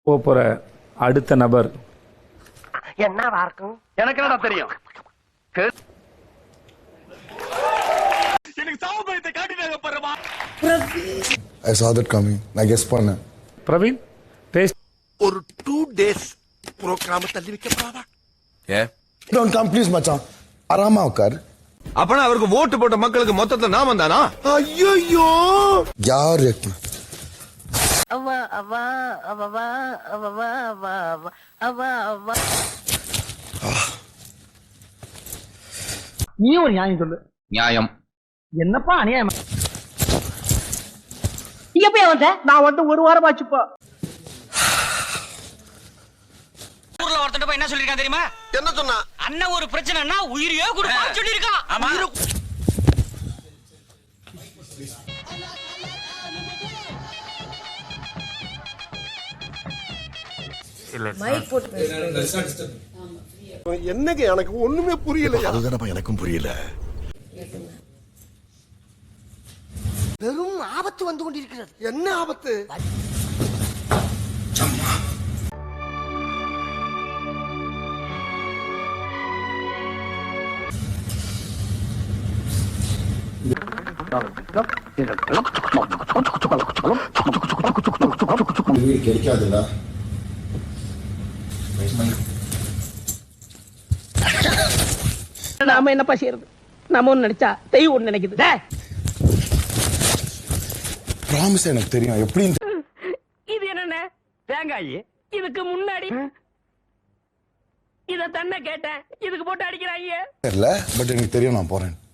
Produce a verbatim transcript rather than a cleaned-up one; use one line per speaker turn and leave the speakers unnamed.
போற அடுத்த நபர்
என்னவா இருக்கும்? எனக்கு என்னடா தெரியும்? எனக்கு சாவுபயத்தை காட்டினாங்க பாருமா.
I saw that coming. நான் கெஸ் பண்ணேன்.
பிரவீன் டேஸ்ட்
ஒரு டூ டேஸ் ப்ரோகிராம் தள்ளி வைக்கப்படாதா?
ஏ டோன்ட் கம் ப்ளீஸ் மச்சான். ஆராமா உட்கார்.
அப்பனா அவருக்கு ஓட்டு போட்ட மக்களுக்கு மொத்தத்துல நாம தானா? ஐயோ
யார்
அவா அவா அவா அவா அவா அவா அவா. நீ ஒரு நியாயம் சொல்லு.
நியாயம்
என்னப்பா அநியாயம்? நீ எப்ப வந்த? நான் வந்து ஒரு வாரம் ஆச்சுப்பா.
ஊர்ல ஒருத்தன் போய் என்ன சொல்லிருக்கான் தெரியுமா?
என்ன சொன்னா?
அண்ணன் ஒரு பிரச்சனைனா உயிரையே கொடுப்பான்னு சொல்லிருக்கான். ஆமா.
என்னங்க எனக்கு ஒண்ணுமே புரியல. அதுதானப்பா எனக்கும் புரியல.
பெரும் ஆபத்து வந்து கொண்டிருக்கிறது.
என்ன ஆபத்து?
கிடைக்காதுல்ல.
நாம என்னப்பா செய்யறது? நாம ஒண்ணு நினைச்சா தெய்வம் ஒண்ணு நினைக்குது.
ப்ராமிஸ் எனக்கு தெரியும். எப்படி
இது என்ன தேங்காய்? இதுக்கு முன்னாடி இத தன்ன கேட்டேன். இதுக்கு போட்டு அடிக்கிறாங்க.
தெரியல, பட் எனக்கு தெரியும். நான் போறேன்.